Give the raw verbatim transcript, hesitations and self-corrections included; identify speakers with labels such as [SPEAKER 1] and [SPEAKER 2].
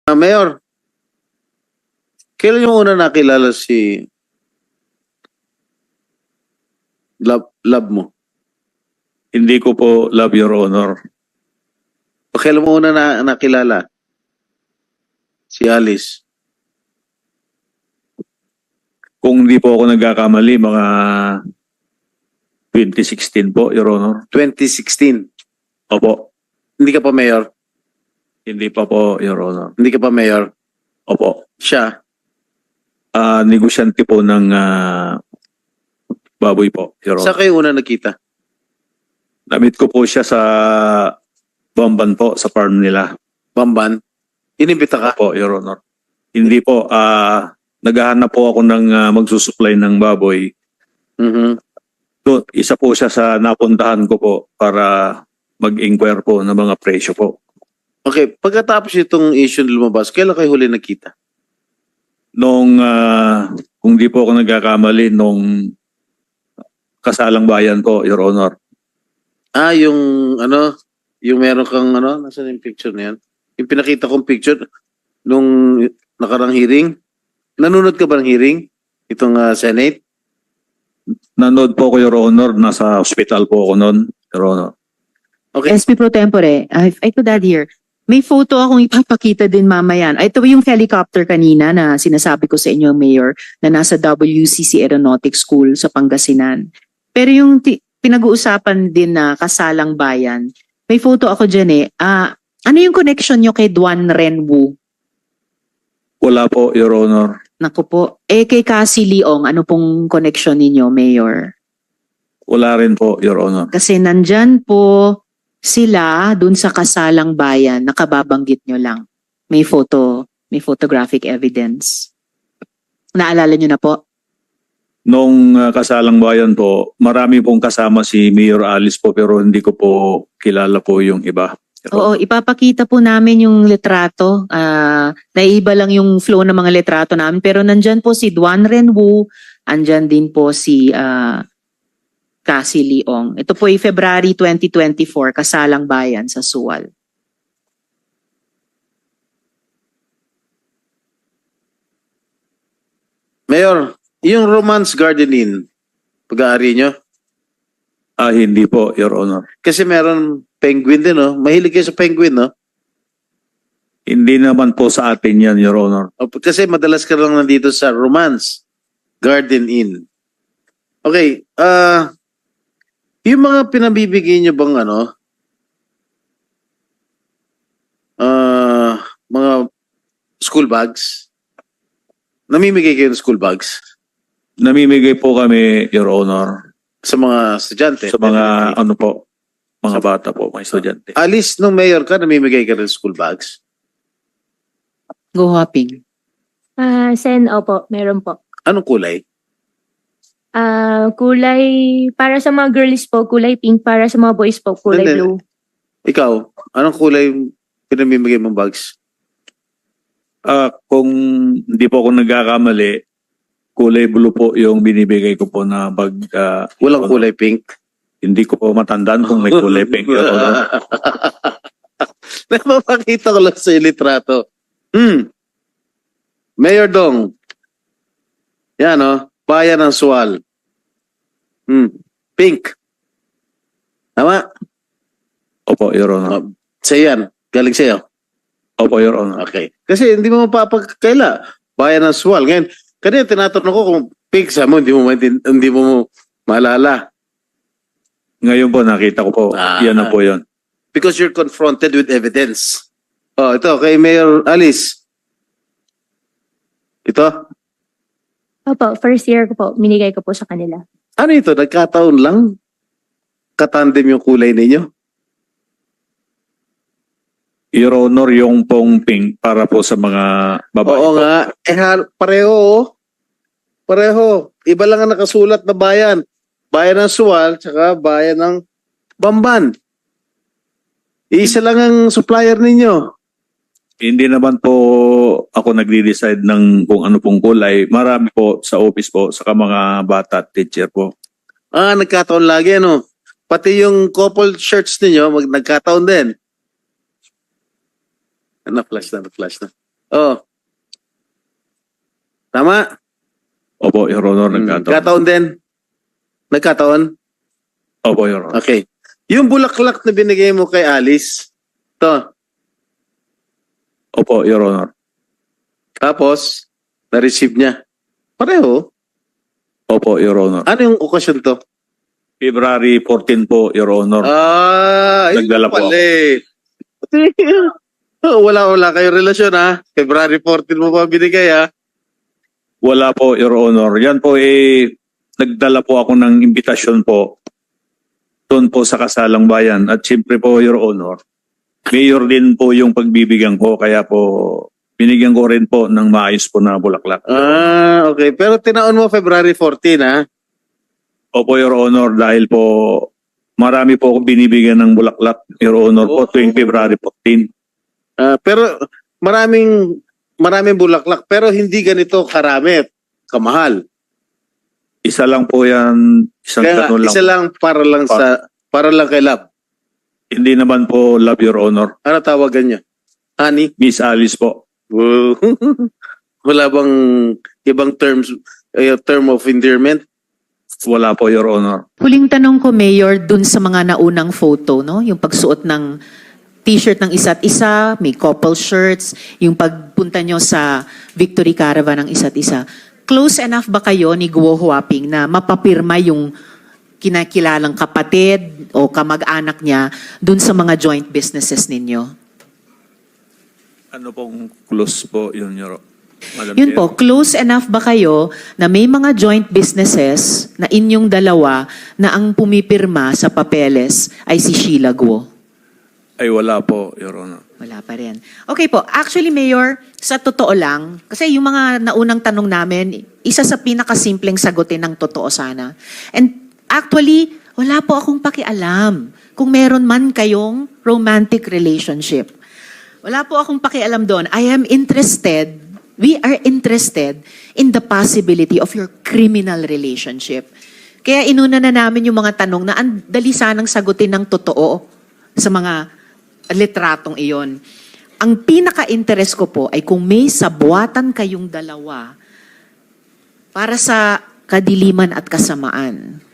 [SPEAKER 1] Ah, Mayor, kailan yung una nakilala si love, love mo?
[SPEAKER 2] Hindi ko po love, Your Honor.
[SPEAKER 1] O kailan mo una na, nakilala si Alice?
[SPEAKER 2] Kung hindi po ako nagkakamali, mga twenty sixteen po, Your Honor.
[SPEAKER 1] twenty sixteen.
[SPEAKER 2] Opo.
[SPEAKER 1] Hindi ka pa mayor?
[SPEAKER 2] Hindi pa po, Your Honor.
[SPEAKER 1] Hindi ka pa mayor?
[SPEAKER 2] Opo.
[SPEAKER 1] Siya?
[SPEAKER 2] Ah, negosyante po ng ah, baboy po, Your
[SPEAKER 1] Saan
[SPEAKER 2] Honor.
[SPEAKER 1] kayo una nakita?
[SPEAKER 2] Namit ko po siya sa Bamban po, sa farm nila.
[SPEAKER 1] Bamban? Inimbita ka?
[SPEAKER 2] Opo, Your Honor. Hindi po, ah, naghahanap po ako ng ah, magsusupply ng baboy.
[SPEAKER 1] Mhm.
[SPEAKER 2] So, isa po siya sa napuntahan ko po para mag-inquire po ng mga presyo po.
[SPEAKER 1] Okay, pagkatapos itong issue na lumabas, kailan kayo huli nakita?
[SPEAKER 2] Nung, ah, kung di po ako nagkakamali, nung kasalang bayan po, Your Honor.
[SPEAKER 1] Ah, yung ano, yung meron kang ano, nasaan yung picture na yan? Yung pinakita kong picture nung nakarang hearing. Nanonood ka ba ng hearing? Itong ah, Senate?
[SPEAKER 2] Nanood po ko, Your Honor, nasa hospital po ako noon, Your Honor.
[SPEAKER 1] Okay.
[SPEAKER 3] S P Pro Tempore, I, I could add here, may photo akong ipapakita din mamaya. Ito yung helicopter kanina na sinasabi ko sa inyo, Mayor, na nasa W C C Aeronautics School sa Pangasinan. Pero yung ti- pinag-uusapan din na kasalang bayan, may photo ako dyan eh. Ah, ano yung connection nyo kay Duan Renwu?
[SPEAKER 2] Wala po, Your Honor.
[SPEAKER 3] Naku po. Eh kay Cassie Leong, ano pong connection ninyo, Mayor?
[SPEAKER 2] Wala rin po, Your Honor.
[SPEAKER 3] Kasi nandyan po sila dun sa kasalang bayan, nakababanggit nyo lang. May photo, may photographic evidence. Naalala nyo na po?
[SPEAKER 2] Nung ah, kasalang bayan po, marami pong kasama si Mayor Alice po pero hindi ko po kilala po yung iba. Your
[SPEAKER 3] Oo,
[SPEAKER 2] Honor.
[SPEAKER 3] ipapakita po namin yung litrato. Ah, naiiba lang yung flow ng mga litrato namin. Pero nandyan po si Duan Renwu, andyan din po si ah, Cassie Leong. Ito po ay February twenty twenty-four, kasalang bayan sa Suwal.
[SPEAKER 1] Mayor, yung Romance Garden Inn, pag-aari nyo?
[SPEAKER 2] Ah, hindi po, Your Honor.
[SPEAKER 1] Kasi meron penguin din, no? Mahilig kayo sa penguin, no?
[SPEAKER 2] Hindi naman po sa atin yan, Your Honor.
[SPEAKER 1] O, kasi madalas ka lang nandito sa Romance Garden Inn. Okay, ah, yung mga pinabibigay nyo bang ano, ah, mga school bags, namimigay kayo ng school bags
[SPEAKER 2] Namimigay po kami, Your Honor,
[SPEAKER 1] sa mga estudyante?
[SPEAKER 2] sa mga ano po, mga bata po, mga estudyante.
[SPEAKER 1] Alice, nung mayor ka, namimigay ka ng school bags?
[SPEAKER 3] Go hopping.
[SPEAKER 4] Ah, Sen, opo, meron po.
[SPEAKER 1] Anong kulay?
[SPEAKER 4] Ah, kulay, para sa mga girls po, kulay pink. Para sa mga boys po, kulay
[SPEAKER 1] Hindi.
[SPEAKER 4] blue.
[SPEAKER 1] Ikaw, anong kulay yung pinamimigay mong bags?
[SPEAKER 2] Ah, kung hindi po ako nagkakamali, kulay blue po yung binibigay ko po na bag. ah,
[SPEAKER 1] Walang kulay pink?
[SPEAKER 2] Hindi ko po matandaan kung may kulay pink. Your Honor.
[SPEAKER 1] Napapakita ko lang sa yung litrato. Hmm. Mayor Dong. Yan, no? Bayan ng Suwal. Hmm. Pink. Tama?
[SPEAKER 2] Opo, Your Honor.
[SPEAKER 1] Oh, sa'yo yan. Galing sa'yo.
[SPEAKER 2] Opo, Your Honor.
[SPEAKER 1] Okay. Kasi hindi mo mapapagkaila. Bayan ng Suwal. Ngayon, kanina tinatanong ko kung pink sa mo, hindi mo, maintin- hindi mo maalala.
[SPEAKER 2] Ngayon po, nakita ko po.
[SPEAKER 1] Ah.
[SPEAKER 2] Yan na po yun.
[SPEAKER 1] Because you're confronted with evidence. Oh, ito, kay Mayor Alice. Ito.
[SPEAKER 4] Opo, first year ko po, minigay ko po sa kanila.
[SPEAKER 1] Ano ito? Nagkataon lang? Katandem yung kulay ninyo?
[SPEAKER 2] Your Honor, yung pong pink para po sa mga babae
[SPEAKER 1] Oo
[SPEAKER 2] po.
[SPEAKER 1] nga. Eh, ha- pareho, oh. Pareho. Iba lang ang nakasulat na bayan. Bayan ng Suwal, tsaka bayan ng Bamban. Isa lang ang supplier ninyo.
[SPEAKER 2] Hindi naman po ako nagde-decide ng kung ano pong kulay. Marami po sa office po, saka mga bata at teacher po.
[SPEAKER 1] Ah, nagkataon lagi, ano? Pati yung couple shirts ninyo, mag nagkataon din. Na-flash na, na-flash na. Oh. Tama?
[SPEAKER 2] Opo, Your Honor,
[SPEAKER 1] Hmm,
[SPEAKER 2] nagkataon.
[SPEAKER 1] Nagkataon din? Nagkataon?
[SPEAKER 2] Opo, Your Honor.
[SPEAKER 1] Okay. Yung bulaklak na binigay mo kay Alice, to,
[SPEAKER 2] Opo, Your Honor.
[SPEAKER 1] tapos, na-receive niya. Pareho.
[SPEAKER 2] Opo, Your Honor.
[SPEAKER 1] Ano yung okasyon to?
[SPEAKER 2] February fourteen po, Your Honor.
[SPEAKER 1] Ah, yun
[SPEAKER 2] Nagdala po
[SPEAKER 1] pala eh. Wala, wala kayo relasyon ha. February fourteen mo pa binigay ha.
[SPEAKER 2] Wala po, Your Honor. Yan po eh, nagdala po ako ng imbitasyon po doon po sa Kasalang Bayan. At siyempre po, Your Honor, mayor din po yung pagbibigyan ko. Kaya po, binigyan ko rin po ng maayos po na bulaklak.
[SPEAKER 1] Ah, okay. Pero tinaon mo February fourteen ha.
[SPEAKER 2] Opo, Your Honor, dahil po marami po akong binibigyan ng bulaklak, Your Honor, po
[SPEAKER 1] Oh.
[SPEAKER 2] tuwing February fourteen.
[SPEAKER 1] Ah, pero maraming maraming bulaklak pero hindi ganito karami, kamahal.
[SPEAKER 2] Isa lang po yan, isang
[SPEAKER 1] Kaya nga,
[SPEAKER 2] ganun lang.
[SPEAKER 1] isa lang para lang
[SPEAKER 2] Pa-
[SPEAKER 1] sa para lang kay Love.
[SPEAKER 2] Hindi naman po love, Your Honor.
[SPEAKER 1] Ano tawagan niya? Honey?
[SPEAKER 2] Miss Alice po.
[SPEAKER 1] Wow. Wala bang ibang terms eh, term of endearment?
[SPEAKER 2] Wala po, Your Honor.
[SPEAKER 3] Huling tanong ko, Mayor, dun sa mga naunang photo, no? Yung pagsuot ng t-shirt ng isa't isa, may couple shirts, yung pagpunta nyo sa Victory Caravan ng isa't isa. Close enough ba kayo ni Guo Huaping na mapapirma yung kinakilalang kapatid o kamag-anak niya dun sa mga joint businesses ninyo?
[SPEAKER 2] Ano pong close po yun, Your Madam
[SPEAKER 3] Yun
[SPEAKER 2] Chair?
[SPEAKER 3] po, close enough ba kayo na may mga joint businesses na inyong dalawa na ang pumipirma sa papeles ay si Sheila Guo?
[SPEAKER 2] Ay, wala po, Your Honor.
[SPEAKER 3] Wala pa rin. Okay po. Actually, Mayor, sa totoo lang, kasi yung mga naunang tanong namin, isa sa pinakasimpleng sagutin ng totoo sana. And actually, wala po akong pakialam kung meron man kayong romantic relationship. Wala po akong pakialam doon. I am interested, we are interested in the possibility of your criminal relationship. Kaya inuna na namin yung mga tanong na ang dali sanang sagutin ng totoo sa mga litratong iyon. Ang pinaka-interest ko po ay kung may sabuatan kayong dalawa para sa kadiliman at kasamaan.